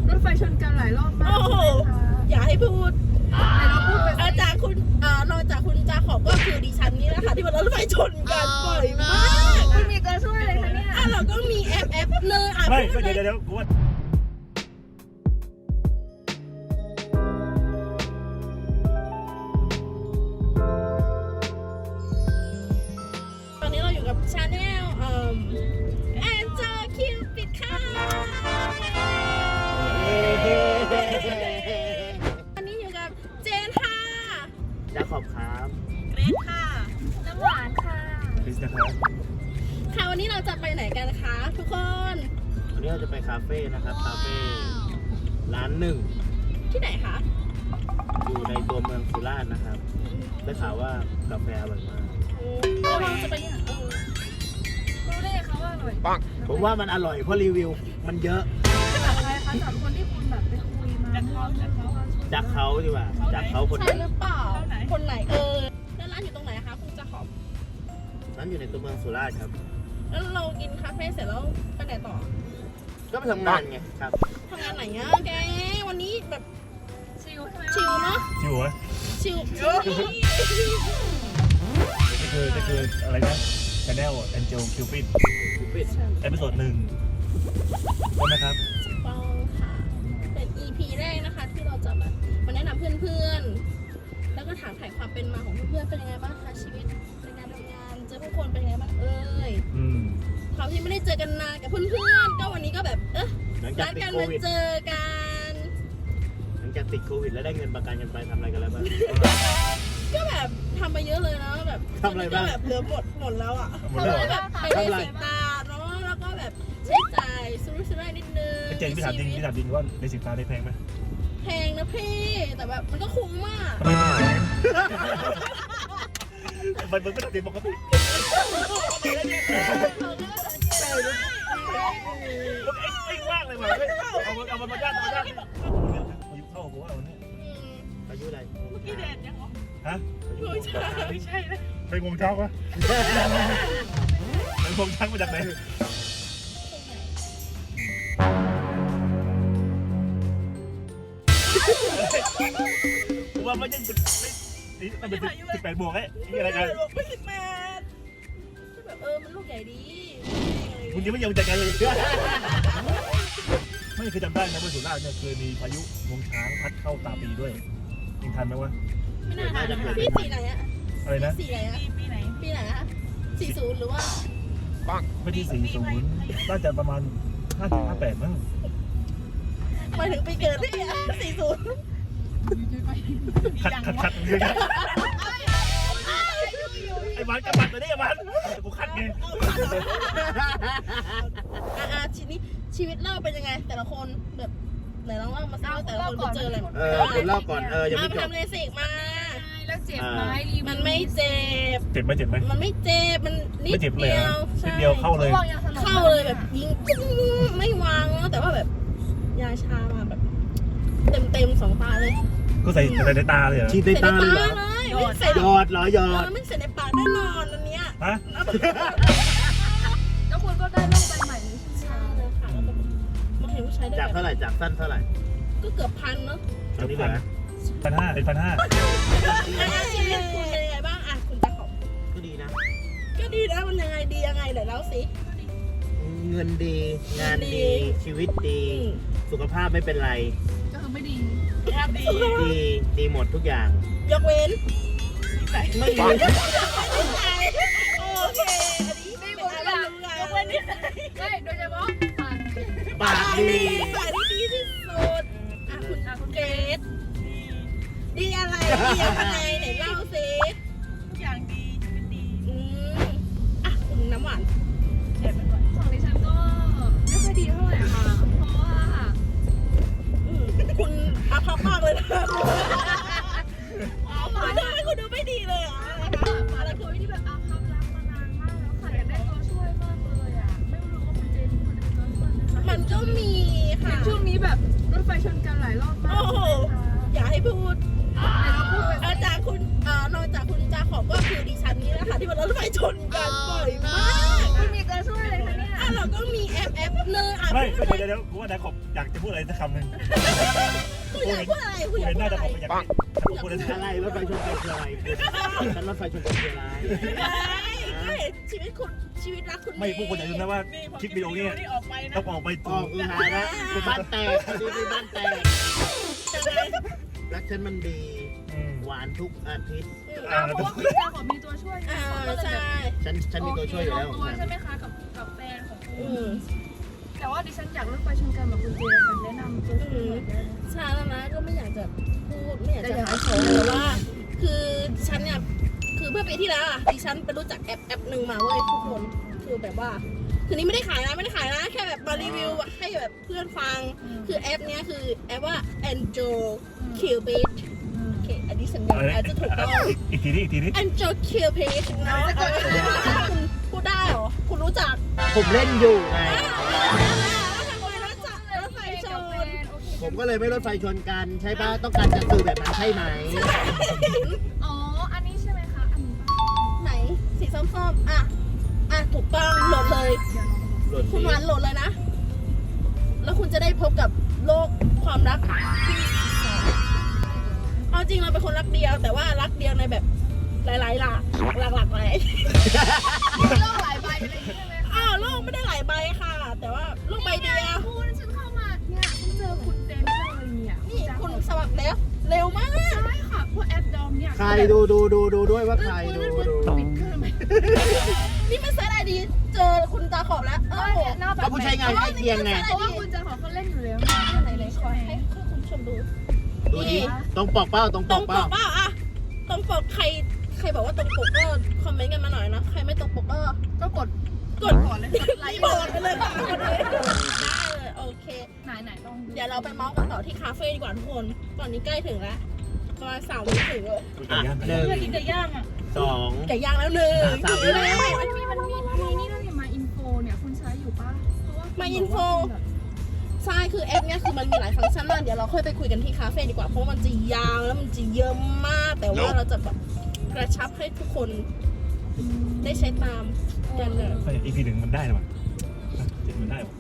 รถไฟชนกันหลายรอบมากโอ้โหอย่าให้พูดแต่เราพูดไปอาจารย์คุณนอกจากคุณจาขอบก็คือดิฉันนี่แหละค่ะที่มันรถไฟชนกันบ่อยมากคุณมีตัวช่วยอะไรคะเนี่ยเราก็มีแอปเลยไม่พูดเดี๋เลยยวกูว่าตอนนี้เราอยู่กับชาแนลแอนเจอคิวปิดค่ะอันนี้อยู่กับเจนค่ะจะขอบครับเกรซค่ะน้ำหวานค่ะคริสนะครับค่ะวันนี้เราจะไปไหนกันคะทุกคนวันนี้เราจะไปคาเฟ่นะครับคาเฟ่ร้านหนึ่งที่ไหนคะอยู่ในตัวเมืองสุราษฎร์นะครับได้ข่าวว่ากาแฟอร่อยมากเราจะไปที่ไหนรู้ได้ไงคะว่าอร่อยผมว่ามันอร่อยเพราะรีวิวมันเยอะจากอะไรคะจากคนที่คุณแบบไปคุยมาจากเขาดีกว่าจากเขาคนใช่นั้นหรือเปล่าคนไหนแล้วร้านอยู่ตรงไหนคะคุณจะขอบนั้นอยู่ในตัวเมืองสุราษฎร์ครับแล้วเรากินคาเฟ่เสร็จแล้วไปไหนต่อก็ไปทำงานไงครับทำงานไหนอะแกวันนี้แบบชิลใช่ไหมชิลเนาะจิ๋วอะชิลนี่คืออะไรนะ Channel Angel Cupid เอพิโซด1ใช่ไหมครับปองค่ะ เป็น EP แรกนะคะ ที่เราจะแบบมาแนะนำเพื่อนๆ แล้วก็ถามถ่ายความเป็นมาของเพื่อนๆ เป็นยังไงบ้างคะชีวิตในการทำงานเจอผู้คนเป็นยังไงบ้างความที่ไม่ได้เจอกันนานกับเพื่อนๆ ก็วันนี้ก็แบบหลังจากนัดติดกันโคมาวิดเจอกันหลังจากติดโควิดแล้วได้เงินประกันกันไปทำอะไรกันแล้วบ้างก็แบบทำไปเยอะเลยนะแบบทำอะไรบ้างก็แบบเหลือหมดแล้วอ่ะหมดแล้วเหรอแบบไปเบสิกตาเนาะแล้วก็แบบใช้จ่ายสุรุ่ยสุร่ายนิดนึงเจนพี่ถามจริงพี่ถามจริงว่าในสินค้าได้แพงไหมแพงนะพี่แต่แบบมันก็คุ้มมากมันไม่ได้ปกติไอ้ว่างเลยว่ะเอามันมาย่างอายุเข้าหัววันนี้อายุอะไรเมื่อกี้แดดยังเหรอฮะไม่ใช่เลยไปงงช้างวะไปงงช้างมาจากไหนว่าไม่ใช่มันเป็น18 บวกไอ้นี่อะไรกันไม่18แบบมันลูกใหญ่ดีคุณยังไม่ยอมจัดการเลยไม่คือจำได้นะว่าสุราษฎร์เนี่ยเคยมีพายุงวงช้างพัดเข้าตาปีด้วยยังทันไหมวะไม่น่าทันนะคะพี่สีไหนอะอะไรนะสีไหนอะปีไหนอะ40หรือว่าไม่ที่40น่าจะประมาณ58มั้งหมายถึงปีเกิดพี่อะ40 ขัดเยอะไอ้มันกระบัดตัวนี้มันกูคัดไงชีวิตเล่าเป็นยังไง แต่ละคนแบบไหนลองเล่ามาสิว่าแต่ละคนไปเจออะไรมาคุณเล่าก่อนยังไม่จบทำเลสิกมาแล้วเจ็บไหมรีวิวมันไม่เจ็บเจ็บไหมมันไม่เจ็บมันนิดไม่เจ็บเลยเดียวนิดเดียวเข้าเลยเข้าเลยแบบยิงไม่วางแล้วแต่ว่าแบบยาชามาแบบเต็ม2 ตาเลยก็ใส่ในตาเลยเหรอฉีดในตาเลยเหรอไม่ใส่หยอดเหรอหยอดไม่ใส่ในปากแน่นอนอันเนี้ยฮะแล้วคุณก็ได้โรคใบใหม่นี้ใช่เลยค่ะแล้วก็มาเห็นผู้ชายได้จากแบบเท่าไหร่จากสั้นเท่าไหร่ก็เกือบ1,000เนาะตอนนี้เหลือ1,500เป็น1,500 ชีวิตคุณเป็นยังไงบ้างอ่ะคุณจะขอบก็ดีนะก็ดีนะมันยังไงดียังไงเดี๋ยวเล่าสิเงินดีงานดีดีชีวิตดี สุขภาพไม่เป็นไรก็คือไม่ดีดีหมดทุกอย่างยกเว้นไม่มีโอเคอันนี้ไม่หมดแล้วยกเว้นนิสัยไม่โดยเฉพาะปากปากดีฝ่ายที่ดีที่สุดอ่ะคุณเกรซดีอะไรดียังไงไหนเล่าสิทุกอย่างดีชีวิตดีอ่ะคุณน้ำหวานของดิฉันก็ไม่ค่อยดีเท่าไหร่ค่ะเพราะว่าคุณอาภัพมากเลยนะคุณดูไม่ดีเลยอ่ะอะไรคือที่แบบอาภัพรักมานานมากแล้วค่ะอยากได้ตัวช่วยมากเลยอ่ะไม่รู้ว่าคุณเจนคุณจะเป็นตัวช่วยไหมคะมันก็มีค่ะช่วงนี้แบบรถไฟชนกันหลายรอบมากโอ้โหอย่าให้พูดแต่เราพูดไปอาจารย์คุณนอกจากคุณจาขอบก็คือดิฉันนี่แหละค่ะที่มันรถไฟชนกันบ่อยมากคุณมีตัวช่วยอะไรคะเนี่ยเราเราก็มีแอปเลยอ่ะไม่พูดอะไรเดี๋ยวกูว่านะขอบอยากจะพูดอะไรสักคำหนึ่งคุณอยากพูดอะไรคุณอยากเห็นพูน่าดจะอะไรขอบอยากพูดอะไรสักอะไรรถไฟชนกันคืออะไรฉันรถไฟชนกันคืออะไรไม่ชีวิตคุณชีวิตรักคุณไม่พวกคนอย่าลืมนะว่าคลิปวิดีโอนี้ออกไปนะต้องออกไปออกคือหาแล้วคือบ้านแตกคือบ้านแตกรักฉันมันดีหวานทุกอาทิตย์เพราะว่าคุณจาขอมีตัวช่วยไงใช่ฉันมีตัวช่วยอยู่แล้วลงตัวใช่ไหมคะกับแฟนของคุอืณมแต่ว่าดิฉันอยากเลือกไปชนกันแบบคุณเจค่ะแนะนำตัวช่วยหน่อยได้ไหมชาแล้วนะก็ไม่อยากจะพูดไม่อยากจะขายของแต่ว่า คือฉันเนี่ยคือเมื่อปีที่แล้วดิฉันไปรู้จักแอปหนึ่งมาเว้ยทุกคนคือแบบว่าคือนี้ไม่ได้ขายนะแค่แบบมารีวิวให้แบบเพื่อนฟังคือแอปเนี้ยคือแอปว่า Angel Cupid โอเคอันนี้สัญญาณอาจจะถูกต้องอีกทีนี้ Angel Cupid นะคุณพูดได้เหรอคุณรู้จักผมเล่นอยู่ไงทำไมรู้จักรถไฟชนผมก็เลยไม่รถไฟชนกันใช่ป่ะต้องการจะสื่อแบบนั้นใช่ไหมอ๋อ อันนี้ใช่ไหมคะ อันนี้ป่ะไหนสีส้มๆอ่ะถูกต้องโหลดเลยเดี๋ยวลองหล่นคุณหวานโหลดเลยนะ แล้วคุณจะได้พบกับโลกความรักเอาจริงเราเป็นคนรักเดียว แต่ว่ารักเดียวในแบบหลายๆหลักหลายโลกหลายใบอะไรอย่างเงี้ยใช่ไหมคะอ้าวโลกไม่ได้หลายใบค่ะ แต่ว่าโลกใบเดียวคุณฉันเข้ามาเนี่ยฉันเจอคุณเต็มเลยเนี่ยนี่คุณสมัครแล้วเร็วมากใช่ค่ะพวกแอปดอมเนี่ยใครดูด้วยว่าใครดูปิดเครื่องไหมนี่ไม่เซิร์ชไอดีเจอคุณตาขอบแล้วโอ้โหหน้าแบบก็ผู้ใช้งานใกล้เคียงไงเพราะว่าคุณจะขอเขาเล่นอยู่แล้วไหนขอให้คุณผู้ชมดูดูดิตรงปกเป้าตรงตปรงกปเป้ากเปล่าอะตรงปกใครบอกว่าตรงปกก็คอมเมนต์กันมาหน่อยนะ ใครไม่ตรงปกก็กดก่อนเลยกดไลค์ไปเลยค่ะกดเลยได้เลยโอเคไหนต้องดูเดี๋ยวเราไปเมาส์กันต่อที่คาเฟ่ดีกว่าทุกคน ตอนนี้ใกล้ถึงแล้วประมาณ3 วิถึงเลยอ่ะหนึ่งเพื่อกินไก่ย่างอ่ะสองไก่ย่างแล้วหนึ่งสามวิแล้วมันมีนี่ด้วยเนี่ยมาอินโฟเนี่ยคุณใช้อยู่ป่ะเพราะว่ามาอินโฟใช่คือแอปเนี้ยคือมันมีหลายฟังก์ชันมากเดี๋ยวเราค่อยไปคุยกันที่คาเฟ่ดีกว่าเพราะมันจะยาวแล้วมันจะเยอะมาก แต่ว่าเราจะแบบกระชับให้ทุกคนได้ใช้ตามกันเลยไป EP หนึ่งมันได้หรอมันได้หรอ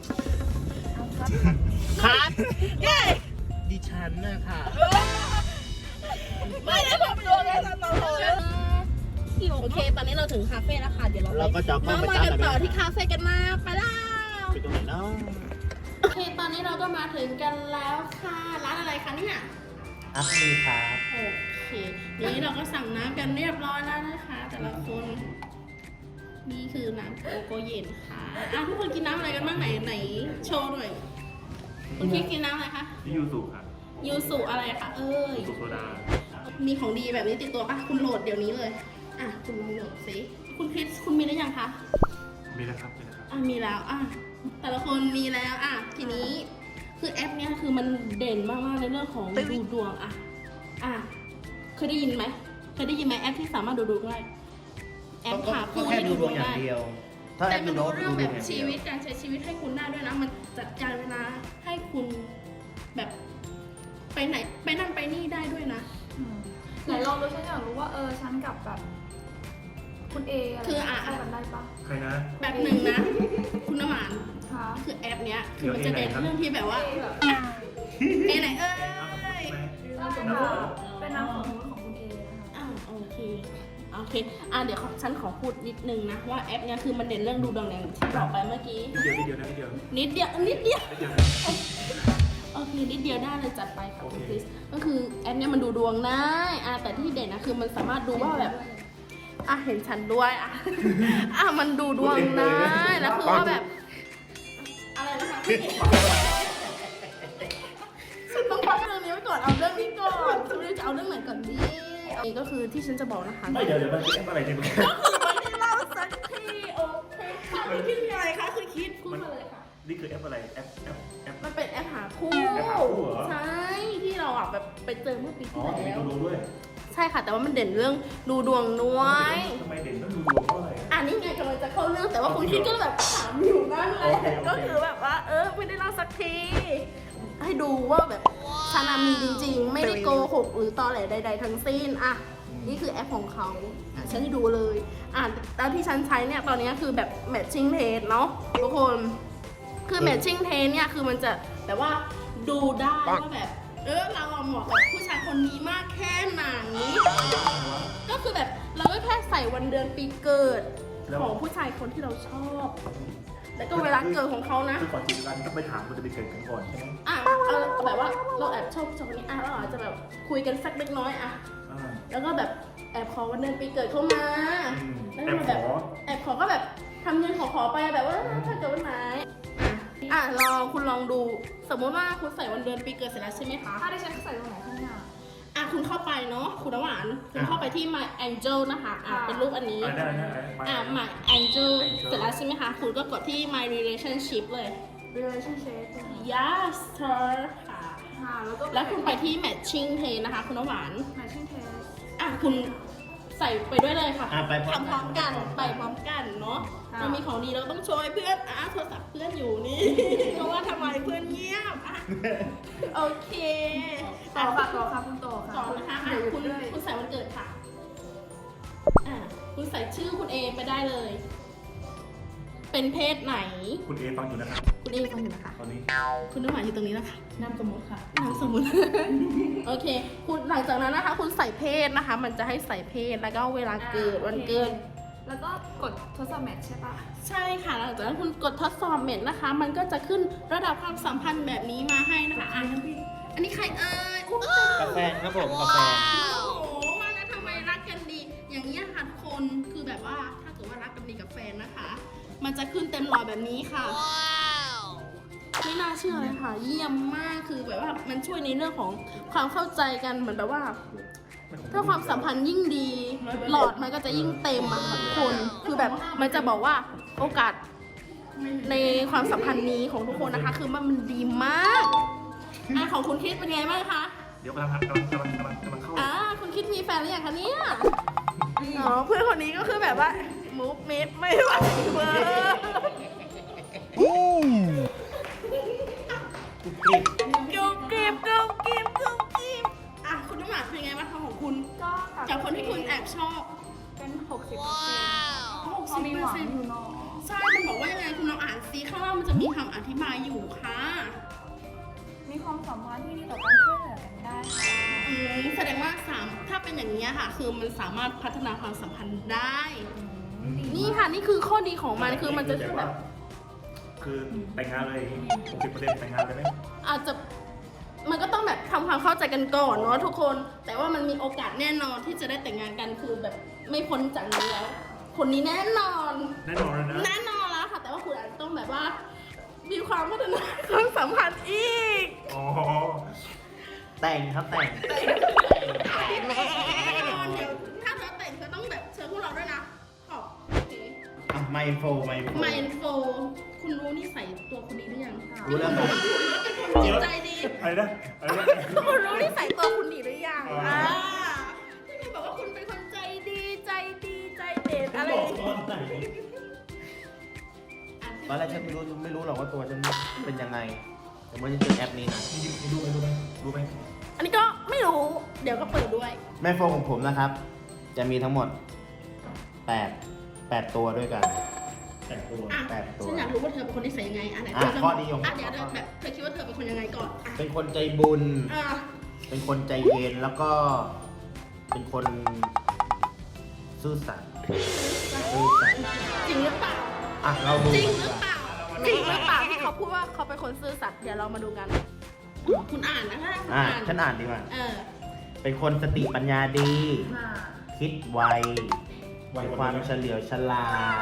ครับเย้ดิฉันนะค่ะไม่ได้ผมโดนเลยตอนเราเลยโอเค ตอนนี้เราถึงคาเฟ่แล้วค่ะ เดี๋ยวเราเราก็จะเข้ามาไปมาตามกันแบบต่อนี้ที่คาเฟ่กันนะไปแล้วไปตรงไหนเนาะโอเค ตอนนี้เราก็มาถึงกันแล้วค่ะ ร้านอะไรคะเนี่ยอัพมีครับโอเค นี้เราก็สั่งน้ำกันเรียบร้อยแล้วนะคะ แต่ละคน นี่คือน้ำโกโก้เย็นค่ะทุกคนกินน้ำอะไรกันบ้างไหนโชว์หน่อย คุณคิดกินน้ำอะไรคะที่ยูสุค่ะยูสุอะไรคะเอ้ยสุโซดามีของดีแบบนี้ติดตัวปะคุณโหลดเดี๋ยวนี้เลย คุณลองโหลดสิคุณคริสคุณมีหรือยังคะมีนะครับมีนะครับมีแล้ว แต่ละคนมีแล้ว ทีนี้คือแอปเนี้ยคือมันเด่นมากๆในเรื่องของดูดวงเคยได้ยินไหมแอปที่สามารถดูดวงได้ แอปหาคู่แค่ดูดวงอย่างเดียว ถ้าแอแต่ปมัดูนดดูวงเรื่องแบบดูดวงชีวิตการใช้ชีวิตให้คุณได้ด้วยนะ มันจัดการเวลาให้คุณแบบไปไหนไปนั่นไปนี่ได้ด้วยนะไหนลองดูฉันอยากรู้ว่าฉันกับแบบคุณเออะไรคือเข้ากันได้ปะใครนะแบบหนึ่งนะ คุณน้ำหวานคะคือแอปเนี้ยคือมันจะเด่นเรื่องที่แบบว่าเอแบบเอไหนเอ้ยเป็นน้ำของคุณเอนะคะโอเคเดี๋ยวฉันขอพูดนิดนึงนะว่าแอปเนี้ยคือมันเด่นเรื่องดูดวงอย่างที่บอกไปเมื่อกี้นิดเดียวนะนิดเดียวนิดเดียวนิดเดียวนะโอเคนิดเดียวได้เลยจัดไปค่ะคุณคริสก็คือแอปเนี้ยมันดูดวงได้แต่ที่เด่นนะคือมันสามารถดูว่าแบบเห็นฉันด้วยมันดูดวงได้แล้วคือว่าแบบอะไรนะคะพี่ฉันต้องพักเรื่องนี้ไว้ก่อนเอาเรื่องนี้ก่อนฉันไม่รู้จะเอาเรื่องไหนก่อนดีนี่ก็คือที่ฉันจะบอกนะคะไม่เดี๋ยวมันเป็นอะไรเนี่ยไม่ได้เล่าสักทีโอเคค่ะคุณคิดยังไงคะคุณคิดพูดมาเลยค่ะนี่คือแอปอะไรแอปมันเป็นแอปหาคู่แอปหาคู่เหรอใช่ที่เราแบบไปเจอเมื่อปีอ๋อที่มีแล้วดูด้วยใช่ค่ะ แต่ว่ามันเด่นเรื่องดูดวงน้อยทำไมเด่นต้องดูดวงเพราะอะไรนี่ไงกำลังจะเข้าเรื่องแต่ว่าคุณคิดก็แบบถามอยู่นั่นเลยโอเคก็คือแบบว่าไม่ได้เล่าสักที ให้ดูว่าแบบชานามีจริงๆ ไม่ได้โกหกหรือตอแหลใดๆทั้งสิ้นนี่คือแอปของเขาฉันให้ดูเลยแล้วที่ฉันใช้เนี่ยตอนนี้คือแบบ matching taste เนาะทุกคนคือ matching taste เนี่ยคือมันจะแบบว่าดูได้ว่าแบบเราเหมาะกับผู้ชายคนนี้มากแค่ไหนก็คือแบบเราก็แค่ใส่วันเดือนปีเกิดของผู้ชายคนที่เราชอบแล้วก็เวลาเกิดของเขานะคือก่อนจีบกันต้องไปถามมันจะไปเกิดกันก่อนใช่ไหมแบบว่าเราแอบชอบผู้ชายคนนี้เราอาจจะแบบคุยกันสักเล็กน้อยแล้วก็แบบแอบขอวันเดือนปีเกิดเข้ามาแล้วก็แบบแอบขอก็แบบทำเงินขอไปแบบว่าถ้าเกิดวันไหนคุณลองดูสมมติว่าคุณใส่วันเดือนปีเกิดเสร็จแล้วใช่ไหมคะถ้าได้ฉันใส่ตรงไหนข้างหน้าคุณเข้าไปเนาะคุณน้ำหวานคุณเข้าไปที่ My Angel นะคะเป็นรูปอันนี้My Angel เสร็จแล้วใช่ไหมคะคุณก็กดที่ My Relationship เลย relationship Yes sir ค่ะแล้วก็แล้วคุณไปที่ Matching Taste นะคะคุณน้ำหวาน matching test คุณใส่ไปด้วยเลยค่ะไปพร้อมทำพร้อมกันไปพร้อมกันเนาะเรามีของดีเราต้องโชว์ให้เพื่อนโทรศัพท์เพื่อนอยู่นี่ เพราะว่าทำไมเพื่อนเงียบโอเคต่อค่ะคุณต่อค่ะต่อนะคะคุณใส่วันเกิดค่ะคุณใส่ชื่อคุณเอไปได้เลย เป็นเพศไหนคุณเอฟังอยู่นะครับคุณเอฟังอยู่นะคะตอนนี้คุณน้ำหวานอยู่ตรงนี้นะคะนามสมมติค่ะนามสมมุติ โอเคคุณหลังจากนั้นนะคะ คุณใส่เพศนะคะ มันจะให้ใส่เพศแล้วก็เวลาเกิดวันเกิดแล้วก็กดทดสอบแมทใช่ปะใช่ค่ะหลังจากนั้นคุณกดทดสอบเมทนะคะ มันก็จะขึ้นระดับความสัมพันธ์แบบนี้มาให้นะคะอันนี้ใครกาแฟครับผมกาแฟโอ้โหว่าแล้วทำไมรักกันดี อย่างนี้ค่ะทุกคนคือแบบว่าถ้าเกิดว่ารักกันดีกับแฟนนะคะ มันจะขึ้นเต็มหลอดแบบนี้ค่ะไม่น่าเชื่อเลยค่ะ เยี่ยมมากคือแบบว่ามันช่วยในเรื่องของความเข้าใจกันเหมือนแบบว่า ถ้าความสัมพันธ์ยิ่งดี หลอดมันก็จะยิ่งเต็มอะค่ะทุกคนคือแบบมันจะบอกว่าโอกาสในความสัมพันธ์นี้ของทุกคนนะคะ คือมันดีมากของคุณคิดเป็นไงบ้างคะเดี๋ยวกำลังเข้าคุณคิดมีแฟนหรือยังคะเนี่ยเพื่อนคนนี้ก็คือแบบว่ามูฟเมดไม่ไหวเวอร์กุ๊บกริบคุณน้ำหวานเป็นไงบ้างคะของคุณก็จากคนที่คุณแอบชอบเป็น 60% 60% มีหวังอยู่เนาะใช่ มันบอกว่ายังไงคุณลองอ่านซิข้างล่างมันจะมีคำอธิบายอยู่ค่ะมีความสัมพันธ์ที่ดีต่อการช่วยเหลือกันได้ค่ะแสดงว่าถ้าเป็นอย่างนี้ค่ะ คือมันสามารถพัฒนาความสัมพันธ์ได้ นี่ค่ะนี่คือข้อดีของมันคือมันจะแบบคือแต่งงานเลย 60%แต่งงานเลยไหมอาจจะมันก็ต้องแบบทำความเข้าใจกันก่อนเนาะทุกคน แต่ว่ามันมีโอกาสแน่นอนที่จะได้แต่งงานกันคือแบบไม่พ้นจากนี้แล้ว คนนี้แน่นอนแน่นอนเลยนะแน่นอนแล้วค่ะ แต่ว่าคุณอาจจะต้องแบบว่า มีความพัฒนาความสัมพันธ์อีกอ๋อแต่งครับแต่งแน่นอนเดี๋ยวถ้าเธอแต่งเธอต้องแบบเชิญพวกเราด้วยนะขอบไมโฟคุณรู้นิสัยตัวคนนี้หรือยังรู้แล้วครับจิตใจดีอะไรนะคุณรู้นิสัยตัวคุณดีหรือยังที่คุณบอกว่าคุณเป็นคนใจดีใจเด็ดอะไรตอนแรกฉันไม่รู้หรอกว่าตัวฉันเป็นยังไง แต่เมื่อฉันเจอแอปนี้นะรู้ไหมอันนี้ก็ไม่รู้ เดี๋ยวก็เปิดด้วยแม่โฟของผมนะครับ จะมีทั้งหมด8ตัวด้วยกันแต่งตัว 8 ตัวฉันอยากรู้ว่าเธอเป็นคนนิสัยยังไงไหนข้อดีของเดี๋ยวแบบเธอคิดว่าเธอเป็นคนยังไงก่อนเป็นคนใจบุญอ่ะเป็นคนใจเย็นแล้วก็เป็นคนซื่อสัตย์จริงหรือเปล่าเราดูจริงหรือเปล่าที่เขาพูดว่าเขาเป็นคนซื่อสัตย์เดี๋ยวเรามาดูกัน คุณอ่านนะคะคุณอ่านฉันอ่านดีกว่าเออเป็นคนสติปัญญาดี คิดไวมีความเฉลียวฉลาด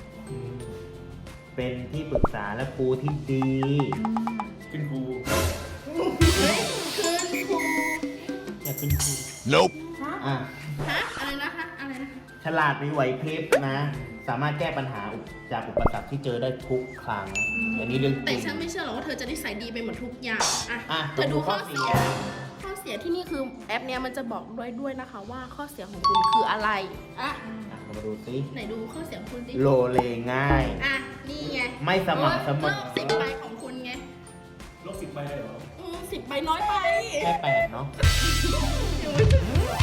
เป็นที่ปรึกษาและครูที่ดีขึ้นครูเฮ้ยคืนครูอยากเป็นครู Nope อะไรนะคะอะไรนะคะฉลาดมีไหวพริบนะ สามารถแก้ปัญหาจากอุปสรรคที่เจอได้ทุกครั้ง อันนี้เรื่องจแต่ริงฉันไม่เชื่อหรอกว่าเธอจะนิสัยดีไปหมดทุกอย่าง เธต้อองดูข้อเสียข้อเสียข้อเสียที่นี่คือแอปเนี้ยมันจะบอกด้วยนะคะว่าข้อเสียของคุณคืออะไรเรามาดูสิไหนดูข้อเสียของคุณสิโลเลง่ายนี่ไงไม่สม่ำเสมอรอบ10 ใบของคุณไงลบ10 ใบเลยเหรอ 10 ใบน้อยไปแค่8เนาะ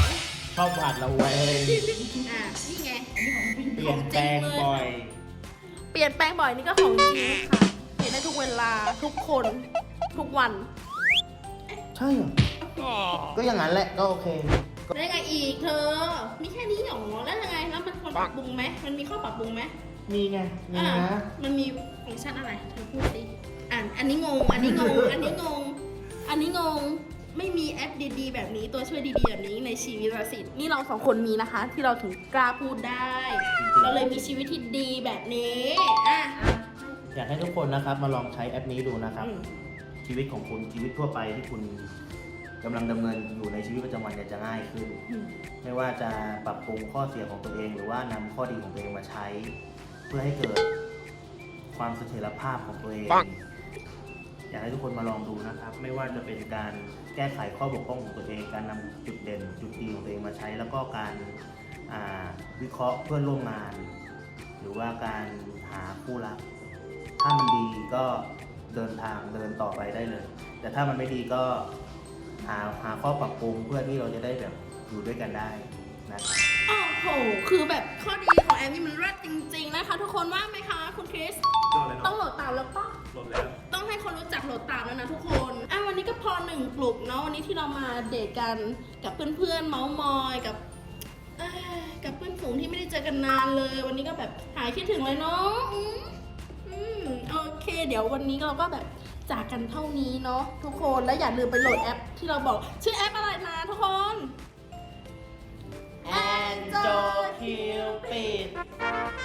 ชอบหวาดระแวงอ่ะนี่ไงเปลี่ยนแปลงบ่อยเปลี่ยนแปลงบ่อยนี่ก็ของจริงค่ะ เปลี่ยนได้ทุกเวลาทุกคนทุกวันใช่เหรอก็อย่างนั้นแหละก็โอเคได้ไงอีกเธอ มีแค่นี้หรอแล้วยังไงแล้วมันควรปรับปรุงไหมมันมีข้อปรับปรุงไหมมีไงมีอ่ะนะมันมีฟังก์ชันอะไรเธอพูดสิอันนี้งง อันนี้งง อันนี้งง อันนี้งง ไม่มีแอปดีๆแบบนี้ตัวช่วยดีๆแบบนี้ในชีวิตเราสินี่เราสองคนมีนะคะ ที่เราถึงกล้าพูดได้ เราเลยมีชีวิตที่ดีแบบนี้อ่ะอยากให้ทุกคนนะครับมาลองใช้แอปนี้ดูนะครับอืมชีวิตของคุณชีวิตทั่วไปที่คุณกำลังดำเนินอยู่ในชีวิตประจำวันเนี่ยจะง่ายขึ้นอืมไม่ว่าจะปรับปรุงข้อเสียของตัวเอง หรือว่านำข้อดีของตัวเองมาใช้ เพื่อให้เกิดความเสถียรภาพของตัวเอง อยากให้ทุกคนมาลองดูนะครับ ไม่ว่าจะเป็นการแก้ไขข้อบกพร่องของตัวเอง การนำจุดเด่นจุดดีของตัวเองมาใช้ แล้วก็การวิเคราะห์เพื่อนร่วมงาน หรือว่าการหาคู่รัก ถ้ามันดีก็เดินต่อไปได้เลย แต่ถ้ามันไม่ดีก็หาข้อปรับปรุงเพื่อที่เราจะได้แบบอยู่ด้วยกันได้นะครับโอ้โห คือแบบข้อดีของแอปนี่มันเลิศจริงๆนะคะ ทุกคนว่าไหมคะคุณคริสยอดเลยต้องเนาะโหลดตามแล้วปะลดแล้วต้องให้คนรู้จักโหลดตามแล้วนะทุกคนวันนี้ก็พอหนึ่งกลุ่มเนาะวันนี้ที่เรามาเดทกันกับเพื่อนๆเมาส์มอยกับเพื่อนฝูงที่ไม่ได้เจอกันนานเลย วันนี้ก็แบบหายคิดถึงเลยเนาะโอเค เดี๋ยววันนี้เราก็แบบจากกันเท่านี้เนาะทุกคนแล้วอย่าลืมไปโหลดแอปที่เราบอกชื่อแอปอะไรนะทุกคน Angel Cupid